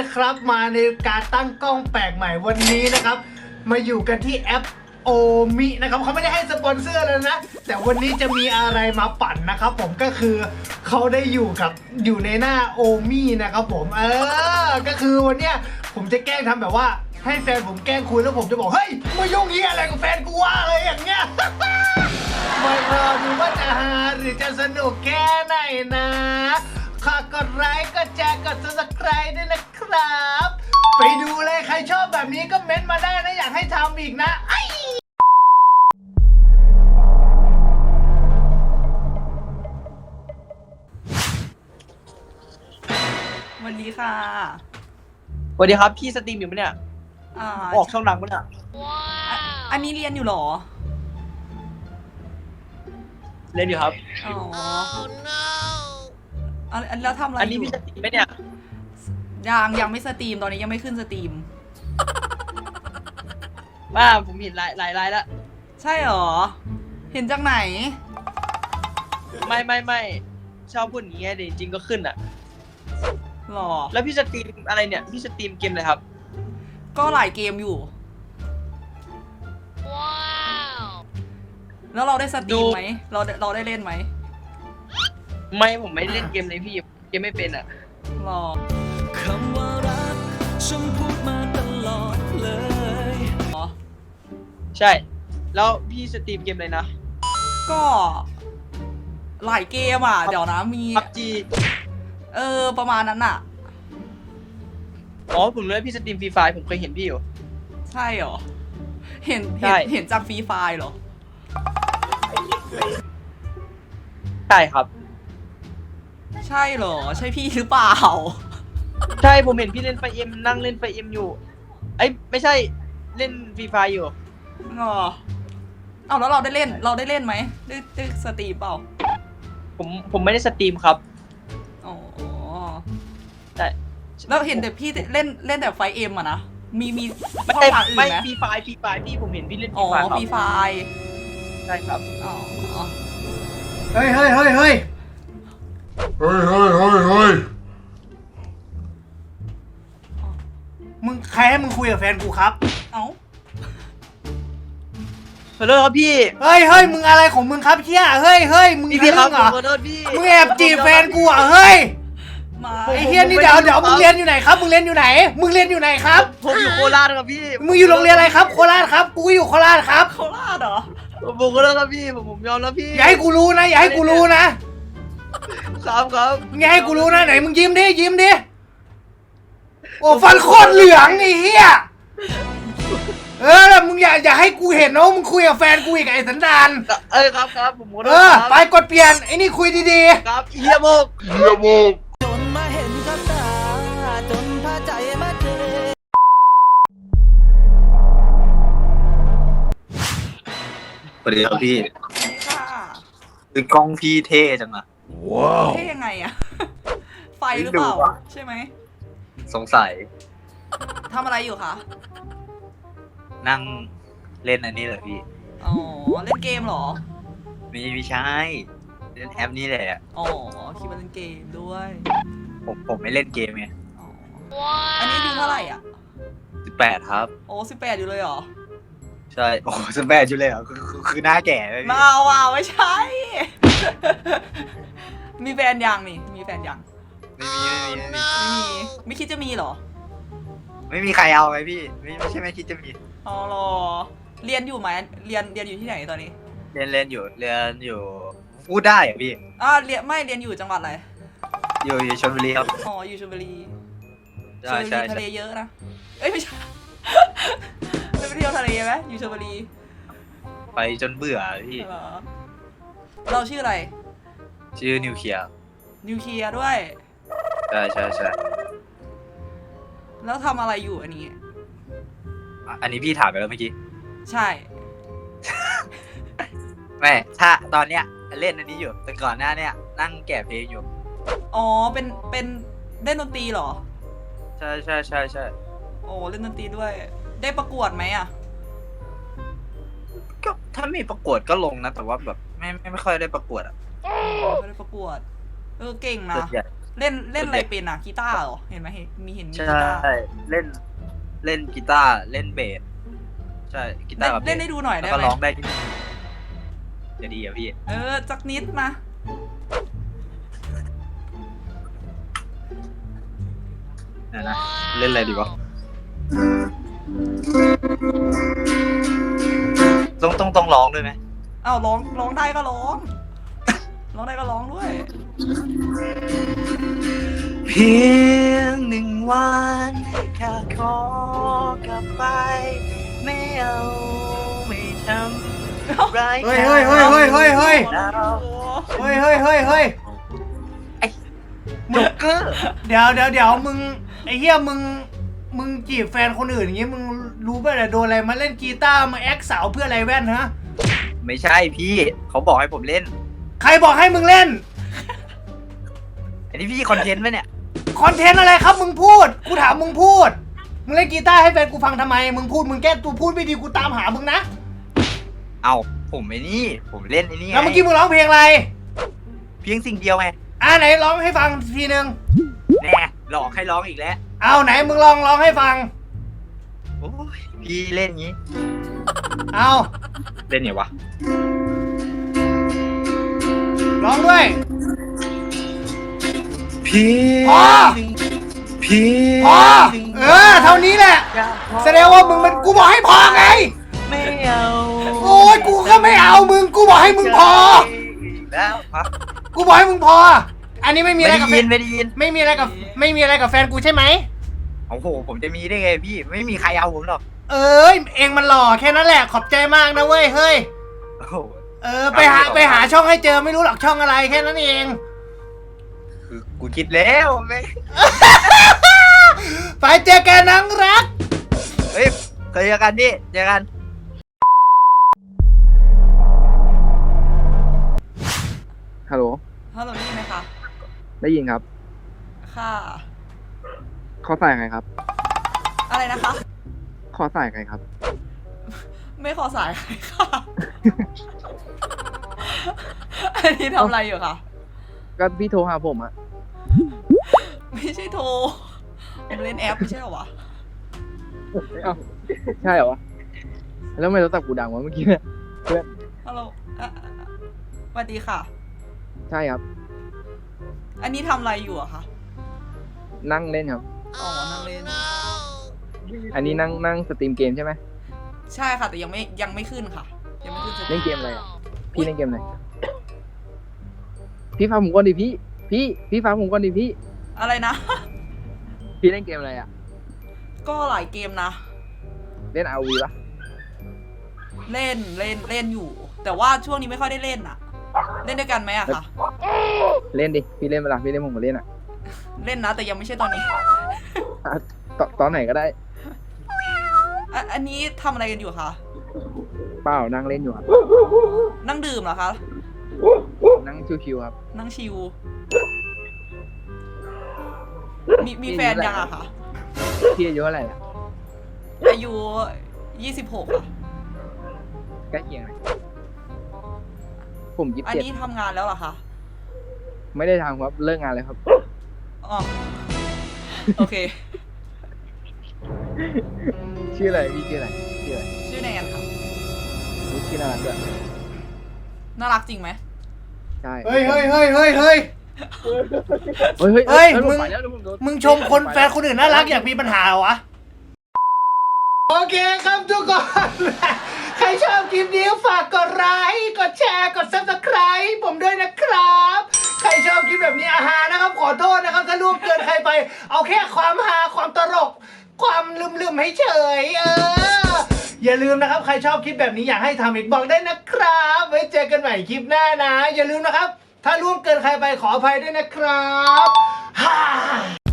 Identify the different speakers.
Speaker 1: นะครับมาในการตั้งกล้องแปลกใหม่วันนี้นะครับมาอยู่กันที่แอปโอมินะครับเขาไม่ได้ให้สปอนเซอร์เลยนะแต่วันนี้จะมีอะไรมาปั่นนะครับผมก็คือเขาได้อยู่ในหน้าโอมินะครับผมก็คือวันเนี้ยผมจะแกล้งทำแบบว่าให้แฟนผมแกล้งคุยแล้วผมจะบอกเฮ้ยมายุ่งเหี้ยอะไรกับแฟนกูวะอะไรอย่างเงี้ย มารอดูว่าจะฮาหรือจะสนุกแค่ไหนนะฝากกดไลค์กดแชร์กด subscribe ด้วยนะครับ ไปดูเลยใครชอบแบบนี้ก็เม้นต์มาได้นะอยากให้ทำอีกนะ
Speaker 2: สวัสดีค่ะ
Speaker 3: สวัสดีครับพี่สตรีมอยู่ปะเนี่ยออกช่องดังปะเนี่ย
Speaker 2: อันนี้เรียนอยู่เหรอ
Speaker 3: เล่นอยู่ครับ
Speaker 2: อ๋อแล้วทำอะไร
Speaker 3: อันนี้
Speaker 2: อยู่
Speaker 3: พี่สตรีมไหมเนี่ย
Speaker 2: ยังไม่สตรีมตอนนี้ยังไม่ขึ้นสตรีม
Speaker 3: ว่าผมเห็นหลายแล้ว
Speaker 2: ใช่เหรอ เห็นจากไหน
Speaker 3: ไม่ชอบพูดอย่างเงี้ยเดี๋ยวจริงก็ขึ้นอ่ะ
Speaker 2: หรอ
Speaker 3: แล้วพี่สตรีมอะไรเนี่ยพี่สตรีมเกมอะไรครับ
Speaker 2: ก็หลายเกมอยู่ แล้วเราได้สตรีมไหมเราได้เล่นไหม
Speaker 3: ไม่ผมไม่เล่นเกมเลยพี่เกมไม่เป็นอ่ะ
Speaker 2: หรอ
Speaker 4: คำว่ารักฉันพูดมาตลอดเลย
Speaker 2: อ๋อ
Speaker 3: ใช่ แล้วพี่สตรีมเกมอะไรนะ
Speaker 2: ก็หลายเกมอ่ะ เดี๋ยวนะมี
Speaker 3: พับจี
Speaker 2: ประมาณนั้นอ่ะ
Speaker 3: อ๋อผมรู้ว่าพี่สตรีมฟรีไฟผมเคยเห็นพี่อยู่
Speaker 2: ใช่เหรอ เห็น
Speaker 3: ใช่
Speaker 2: เห็นจากฟรีไฟล์เหรอ
Speaker 3: ใช่ครับ
Speaker 2: ใช่เหรอ ใช่พี่หรือเปล่า
Speaker 3: ใช่ผมเห็นพี่เล่นไฟเอ็มนั่งเล่นไฟเอ็มอยู่เอ้ยไม่ใช่เล่นฟรีไฟอยู่
Speaker 2: อ๋อเอาแล้วเราได้เล่นไหมได้สตรีมเปล่า
Speaker 3: ผมไม่ได้สตรีมครับ
Speaker 2: อ๋อ
Speaker 3: แต่
Speaker 2: แล้วเห็นแต่พี่เล่นแต่ไฟเอ็มอะนะมีช่อง
Speaker 3: ไม่
Speaker 2: ทางอื่น
Speaker 3: ไม่
Speaker 2: ไหม
Speaker 3: ฟรีไฟพี่ผมเห็นพี่เล่นฟ
Speaker 2: อ๋
Speaker 3: รี
Speaker 2: อ
Speaker 3: ไฟครับ
Speaker 2: ฟรีไฟ
Speaker 3: ใช่ครับ
Speaker 2: อ๋อ
Speaker 1: เฮ้ยมึงใครให้มึงคุยกับแฟนกูครับ
Speaker 2: เอ้า
Speaker 3: ขอโทษครับพี่
Speaker 1: เฮ้ยมึงอะไรของมึงครับเชี่ยเฮ้ยมึง
Speaker 3: พี่ครับ
Speaker 1: ทะลึ่งเหรอ
Speaker 3: ขอโทษพี่
Speaker 1: มึงแอบจีบแฟนกูเหรอเฮ้ย
Speaker 2: มา
Speaker 1: ไอ้เฮียนี่เดี๋ยวมึงเรียนอยู่ไหนครับมึงเรียนอยู่ไหนครับ
Speaker 3: ผมอยู่โคราชครับพี่
Speaker 1: มึงอยู่โรงเรียนอะไรครับโคราชครับกูอยู่โคราชครับ
Speaker 2: โคราชเหรอ
Speaker 3: ผมขอโทษครับพี่ผมยอมแล้วพี่
Speaker 1: อย่าให้กูรู้นะครับ
Speaker 3: ครับ
Speaker 1: มึงอย่าให้กูรู้นะไหนมึงยิ้มดิโอ้ฟันโคตรเหลืองไอ้เหี้ยแล้วมึงอย่าให้กูเห็นนะว่ามึงคุยกับแฟนกูอีกไอ้สันดาน
Speaker 3: ครับผมขอโทษ
Speaker 1: ไป
Speaker 3: ครับ
Speaker 1: กดเปลี่ยนไอ้นี่คุยดี
Speaker 3: ครับเฮียโมก
Speaker 4: จนมาเห็นกับตาจนพาใจมาเจอ
Speaker 5: สวัสดีครับพี่
Speaker 2: นี่ค่ะ
Speaker 5: คือกล้องพี่เท่จังอะ
Speaker 2: เท่ยังไงอะ ไฟหรือเปล่า
Speaker 5: ไม่รู้อะ
Speaker 2: ใช่ไหม
Speaker 5: สงสัย
Speaker 2: ทำอะไรอยู่คะ
Speaker 5: นั่งเล่นอันนี้เหรอพี่
Speaker 2: อ๋อ เล่นเกมเหรอ
Speaker 5: ไม่ใช่เล่นแอปนี้แหละ
Speaker 2: อ๋อคิดว่าเล่นเกมด้วย
Speaker 5: ผมไม่เล่นเกมไง
Speaker 2: อ๋อ อันนี้อายุเท่าไหร่อ่ะ
Speaker 5: 18ครับ
Speaker 2: โอ้18อยู่เลยเหรอ
Speaker 5: ใช่โอ้18อยู่เลยเหรอคือหน้าแก่เลยพี่
Speaker 2: มาว่ะไม่ใช่ มีแฟนยังนี่ มีแฟนยัง
Speaker 5: ไม่มี
Speaker 2: ไม่คิดจะมีเหรอ
Speaker 5: ไม่มีใครเอาไหมพี่ไม่ใช่ไม่คิดจะมี
Speaker 2: อ๋อเหรอ เรียนอยู่ไหมเรียนอยู่ที่ไหนตอนนี้
Speaker 5: เรียนอยู่พูดได้เหรอพี่
Speaker 2: เรียนอยู่จังหวัดอะไร
Speaker 5: อยู่ชลบุรีครับ
Speaker 2: อ๋อ อยู่ชลบุรีช
Speaker 5: ใช่
Speaker 2: ลบุ
Speaker 5: ใช่
Speaker 2: รีทะ
Speaker 5: ใช่
Speaker 2: เลเยอะนะ เอ้ยไม่ใช่ ไปเที่ยวทะเลไหมอยู่ชลบุรี
Speaker 5: ไปจนเบื่อพี่
Speaker 2: เหรอ เราชื่ออะไร
Speaker 5: ชื่อนิวเคลียร์
Speaker 2: นิวเคลียร์ด้วย
Speaker 5: ใช่
Speaker 2: แล้วทำอะไรอยู่อันนี้
Speaker 5: อันนี้พี่ถามไปแล้วเมื่อกี้
Speaker 2: ใช่
Speaker 5: แม่ถ้าตอนเนี้ยเล่นอันนี้อยู่แต่ก่อนหน้าเนี้ยนั่งแกะเพลงอยู่
Speaker 2: อ๋อ เป็นเล่นดนตรีเหรอ
Speaker 5: ใช่
Speaker 2: โอ้เล่นดนตรีด้วย ได้ประกวดไหมอ่ะ
Speaker 5: ก็ถ้ามีประกวดก็ลงนะแต่ว่าแบบไม่ค่อยได้ประกวดอ่ะ
Speaker 2: ไม่ได้ประกวด เก่งนะ
Speaker 5: ส่วนใหญ่
Speaker 2: เล่นอะไรเป็นอ่ะกีตาร์เหรอเห็นไหมมีกี
Speaker 5: ใช่
Speaker 2: ตาร์
Speaker 5: เล่นกีตาร์เล่นเบสใช่กีตาร์กับเบส
Speaker 2: เล่นให้ดูหน่อย
Speaker 5: แล้
Speaker 2: ได้
Speaker 5: วก็
Speaker 2: ไหม
Speaker 5: ร้องได้นิดนึงจะดีอ่ะพี่
Speaker 2: สักนิดมา
Speaker 5: นะเล่นอะไรดีวะต้องร้องด้วยไหม
Speaker 2: อ้าวร้องได้ก็ร้องร้องได้ก็ร้องด้วย
Speaker 5: เพียงหนึ่งวันแค่ขอกลับไปไม่เอาไม่ทำร้าย
Speaker 1: เฮ้ยเฮ้ยเฮ้ยเฮ้ยเฮ้ยเฮ้ย
Speaker 5: แล้ว
Speaker 1: เฮ้ยเฮ้ยเฮ้ยเฮ้ย
Speaker 5: โจ๊กเกอร์
Speaker 1: เดี๋ยวมึงไอ้เหี้ยมึงจีบแฟนคนอื่นอย่างงี้มึงรู้ป่ะเนี่ยโดนอะไรมาเล่นกีตาร์มาแอคสาวเพื่ออะไรแว่นฮะ
Speaker 5: ไม่ใช่พี่เขาบอกให้ผมเล่น
Speaker 1: ใครบอกให้มึงเล่น
Speaker 5: อันนี้พี่คอนเทนต์ไหมเนี่ย
Speaker 1: คอนเทนต์อะไรครับมึงพูดกูถามมึงพูดมึงเล่นกีตาร์ให้แฟนกูฟังทำไมมึงพูดมึงแก้ตัวพูดไม่ดีกูตามหามึงนะ
Speaker 5: เอาผมไอ้นี่ผมเล่นไอ้นี่ไง
Speaker 1: แล้วเมื่อกี้มึงร้องเพลงอะไร
Speaker 5: เพียงสิ่งเดียวไง
Speaker 1: ไหนร้องให้ฟังทีนึง
Speaker 5: แน่หลอกให้ร้องอีกแล้ว
Speaker 1: เอาไหนมึงลองร้องให้ฟัง
Speaker 5: โอ้ยพี่เล่นงี้
Speaker 1: เอา
Speaker 5: เล่นไงวะ
Speaker 1: ร้องด้วย
Speaker 5: พี่
Speaker 1: พอ
Speaker 5: พี่
Speaker 1: พอเท่านี้แหละแสดงว่ามึงมันกูบอกให้พอไง
Speaker 5: ไม่เอา
Speaker 1: โอ้ยกูก็ไม่เอามึงกูบอกให้มึงพอ
Speaker 5: แล้วฮะ
Speaker 1: กูบอกให้มึงพอ อันนี้ไม่มี
Speaker 5: ไม่
Speaker 1: อะไร
Speaker 5: ได้
Speaker 1: กับแฟ
Speaker 5: ยิ
Speaker 1: น
Speaker 5: นไม่ได้ยิน
Speaker 1: ไม่มีอะไรกับแฟนกูใช่ไหม
Speaker 5: โอ้โหผมจะมีได้ไงพี่ไม่มีใครเอาผมหรอก
Speaker 1: เองมันหล่อแค่นั้นแหละขอบใจมากนะเว้ยเฮ้ย
Speaker 5: โอ้โห
Speaker 1: ไปหาช่องให้เจอไม่รู้หรอกช่องอะไรแค่นั้นเอง
Speaker 5: คือกูคิดแล้วไม่
Speaker 1: ไปเจอกันนังรัก
Speaker 5: เฮ้ยเคยเจอกันพี่เจอกัน
Speaker 3: ฮัลโหล
Speaker 2: ฮัลโหลได้ยินไหมคะ
Speaker 3: ได้ยินครับ
Speaker 2: ค่ะ
Speaker 3: ขอสายใครครับ
Speaker 2: อะไรนะคะ
Speaker 3: ขอสายใครครับ
Speaker 2: ไม่ขอสายใครค่ะ อันนี้ทำอะไรอยู่คะ
Speaker 3: ก็พี่โทรหาผมอะ
Speaker 2: ไม่ใช่โทรผมเล่นแอปไม่ใช่เหรอวะ
Speaker 3: เอ้าใช่เหรอวะ แล้วทำไม่โทรศัพท์กูดังวะเมื่อกี้เนี่ยเพื่อน
Speaker 2: ฮัลโหลสวัสดีค่ะ
Speaker 3: ใช่ครับ
Speaker 2: อันนี้ทำอะไรอยู่อะคะ
Speaker 3: นั่งเล่นครับ
Speaker 2: อ๋อ นั่งเล่น
Speaker 3: อันนี้นั่งสตรีมเกมใช่ไหม
Speaker 2: ใช่ค่ะ แต่ยังไม่ขึ้นค่ะ ยังไม่ขึ้นสตรี
Speaker 3: เล่น
Speaker 2: ม
Speaker 3: เกมอะไรอะพี่เล่นเกมอะไร พี่ฟังผมก่อนดิพี่ฟังผมก่อนดิพี่
Speaker 2: อะไรนะ
Speaker 3: พี่เล่นเกมอะไรอะ
Speaker 2: ก็หลายเกมนะ
Speaker 3: เล่น RV ปะ
Speaker 2: เล่นอยู่ แต่ว่าช่วงนี้ไม่ค่อยได้เล่นอะเล่นด้วยกันไหมอะคะ
Speaker 3: เล่นดิ พี่เล่นเวลาพี่เล่นผมก็เล่นอะ
Speaker 2: เล่นนะ แต่ยังไม่ใช่ตอนนี้
Speaker 3: อ่ะตอนไหนก็ได้
Speaker 2: อันนี้ทำอะไรกันอยู่คะ
Speaker 3: เปล่านั่งเล่นอยู่ครับ
Speaker 2: นั่งดื่มเหรอคะ
Speaker 3: นั่งชิวๆครับ
Speaker 2: นั่งชิว มีแฟนยังอะคะ
Speaker 3: พี่อายุเท่าไหร่อะ
Speaker 2: อายุ26ค่ะ
Speaker 3: ใกล้เคียงเลยผม
Speaker 2: อันนี้
Speaker 3: 27
Speaker 2: ทำงานแล้วเหรอคะ
Speaker 3: ไม่ได้ทำครับ เลิกงานเลยครับ
Speaker 2: อ๋อ โอเค
Speaker 3: ชื่ออะไรพี่ชื่ออะไรชื่ออะไร
Speaker 2: ชื่อแนนค่ะ
Speaker 3: รู้ชื่อน่ารักด้วย
Speaker 2: น่ารักจริงไหม
Speaker 3: ใช่
Speaker 1: เฮ้ย
Speaker 3: เฮ้ยเมึ
Speaker 1: งชมคนแฟนคนอื่นน่ารักอยากมีปัญหาเหรอวะ โอเคครับทุกคน ใครชอบคลิปนี้ฝากกดไลค์กดแชร์กด Subscribe ผมด้วยนะครับ ใครชอบคลิปแบบนี้นะครับขอโทษนะครับถ้าล่วงเกินใครไป เอาแค่ความฮาความตลก ความลืมให้เฉยอย่าลืมนะครับใครชอบคลิปแบบนี้อยากให้ทำอีกบอกได้นะครับไว้เจอกันใหม่คลิปหน้านะ อย่าลืมนะครับ ถ้าล่วงเกินใครไปขออภัยด้วยนะครับ